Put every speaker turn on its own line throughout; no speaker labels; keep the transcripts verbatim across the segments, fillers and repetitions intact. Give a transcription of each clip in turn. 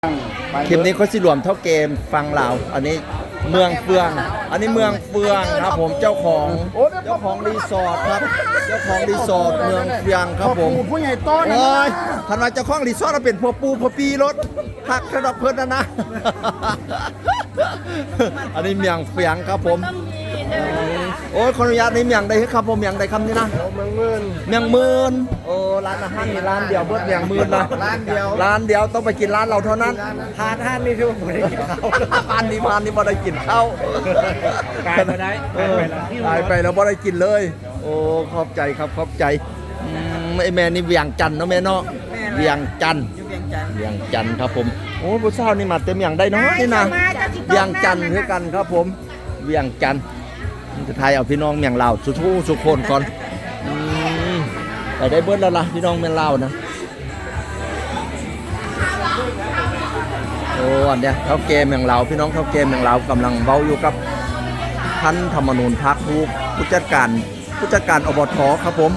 คลิปนี้เขาสิรวมเท่าเกมฟังลาวอันนี้เมืองเฟือง อันนี้เมืองเฟืองครับผมเจ้าของเจ้าของรีสอร์ทครับเจ้าของรีสอร์ทเมืองเฟืองครับผม
ผู้ใหญ่ต้น
เอ้ยทันว่าเจ้าของรีสอร์ทเราเป็นพวปูพวปีรถหักระดับเพิ่นนะนะ อันนี้เมืองเฟืองครับผมโอ้ยขออนุญาตนี่เมียงใดครับผมเมียงใดคำนี้นะเมียงหมื่นเมียงหมื่นโอ้ร้านอาหารนี่ร้านเดียวเบิดเมียงหมื่นนะร้านเดียวร้านเดียวต้องไปกินร้านเราเท่านั้น
ทานท่านนี่คือผมได้กินข้าว
ร้านนี้พานนี่บ่ได้กินข้าว
กายไปได้
กายไปแล้วบ่ได้กินเลยโอ้ขอบใจครับขอบใจไอแม่นี่เวียงจันทน์เนาะแม่เนาะเวียงจันทน์เวียงจันทน์ครับผมโอ้ผู้สาวนี่มาเต็มอย่างได้เนาะนี่นะเวียงจันทน์คือกันครับผมเวียงจันทน์จะไทยเอาพี่น้องเมียงลาวสุทูสุคนก่อนไปได้เบิดแล้วล่ะพี่น้องเมียงลาวนะโอ้อันเนี้ยเท่าเกมเมียงลาวพี่น้องเท่าเกมเมียงลาวกำลังเว้าอยู่กับท่านธรรมนูญพักผู้ผู้จัดการผู้จัดการอบทครับผม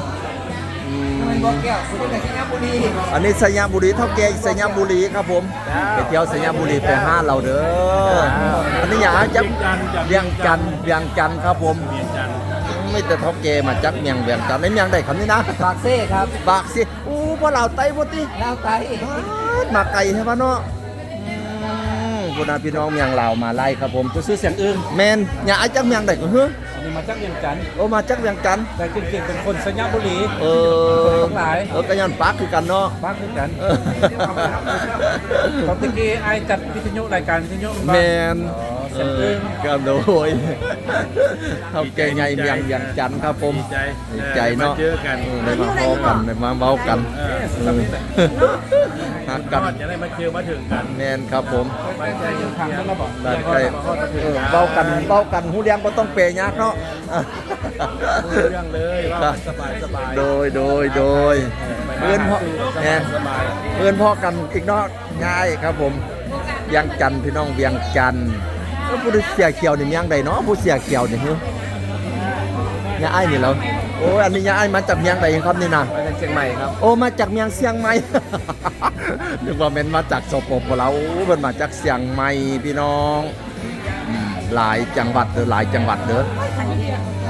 อันนี้สัญญาบุรีเท่าเกมสัญญาบุรีครับผมไปเที่ยวสัญญาบุรีไปห้าเราเด้ออันนี้อย่างจะเวียงจันทน์เวียงจันทน์ครับผมไม่แต่เท่าเกมาจักเมียงเวียงจันทน์ในเมียงได้คำนี้นะ
ปากเซ่ครับ
ปากสิอู้พวกเราไต้พวกที่
ลาวไต
มาไก่ใช่ปะเนาะคุณอาพี่น้องเมียงลาวมาไล่ครับผมจะซื้อเสียงอื่นแมนอย่าไอ้จักเมียงได้ก็เฮ้ย
นี่มาจากเวียงจันทน์
โอ้มาจักเวียงจันทน์
แต่จริงๆเป็นคนสัญญาบุรี
เออ
ทั้งหลาย
เออกระยันปากคือกันเนาะ
ปากคือกันตอนตะกี้ไอจัดวิทยุรายการวิทยุ
แมนเออก็โดยเขาแก่ใหญ่เมียงเวียงจันทน์ครับผมดีใจเนาะ
เจอกัน
ได้มาพอกันได้มาเว้ากันหักกัน
จะได้มาเจอมาถึงกัน
แมนครับผม
ไปใจยังทางนั้นเราบอก
ได้ใกล้เว้ากันเว้ากันหูเลี้ยงบ่ต้องเปยากเนาะ
เรื่องเลยว่าสบายสบาย
โดยโดยโดยเพื่อนพ่อเนี่ยเพื่อนพ่อกันอีกเนาะง่ายครับผมเวียงจันทน์พี่น้องเวียงจันทน์ผู้เสียเขียวนี่ยังใดเนาะผู้เสียเขียวนี่ฮึยาไอ้นี่แล้วโอ้อันนี้ยาไอ้มาจากเมียงใดครับนี่นะ
มาจากเชียงใหม่ครับ
โอ้มาจากเมียงเชียงใหม่นึกว่าเป็นมาจากสปปลาวเป็นมาจากเชียงใหม่พี่น้องหลายจังหวัดเด้อหลายจังหวัดเด้อ